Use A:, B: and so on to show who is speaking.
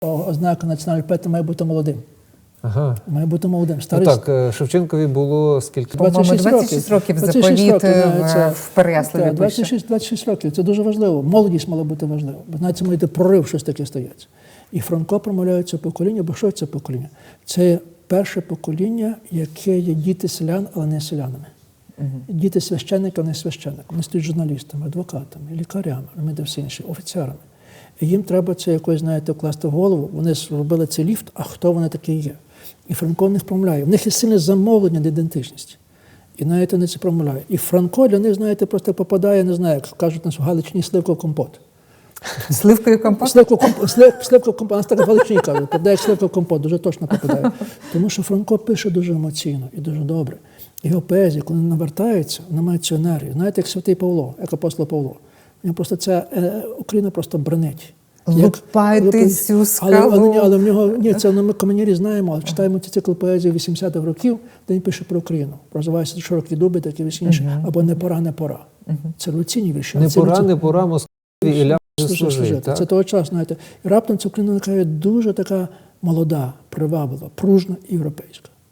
A: ознака національної поета має бути молодим.
B: Ага.
A: Має бути молодим.
B: Ну,
A: Старий...
B: так, Шевченкові було скільки?
A: 26
B: років.
C: заповіт в Переяславі.
A: 26 років. Це дуже важливо. Молодість мала бути важлива. Бо знаєте, має йти прорив, щось таке стається. І Франко промовляє це покоління, бо що це покоління? Це перше покоління, яке є діти селян, але не селянами. Діти священника, не священника. Вони стають журналістами, адвокатами, лікарями, все інше, офіцерами. І їм треба це якось, знаєте, вкласти в голову. Вони зробили цей ліфт, а хто вони такі є? І Франко в них промовляє. В них є сильне замовлення до ідентичності. І навіть вони це промовляють. І Франко для них, знаєте, просто попадає, не знаю, як кажуть нас в Галичині, сливко-компот.
C: Сливкою компот?
A: Сливко-компот, нас так в Галичині кажуть, попадає сливко-компот, дуже точно попадає. Тому що Франко пише дуже емоційно і дуже добре. Його поезія, коли навертається, вона має цю енергію. Знаєте, як святий Павло, як апостол Павло. Він просто ця Україна просто бренить.
C: Лупайте цю скалу.
A: Але в нього, ні, це ми комунірі знаємо, але читаємо ці цикл поезії 80-х років, де він пише про Україну. Називається «Широкі дуби», такі весь інше, або «Не пора, не пора». Це революційні вірші.
B: Не пора, Москві і ляже служити.
A: Це того часу, знаєте. І раптом ця Україна така дуже така молода, приваблива, пружна і європейська.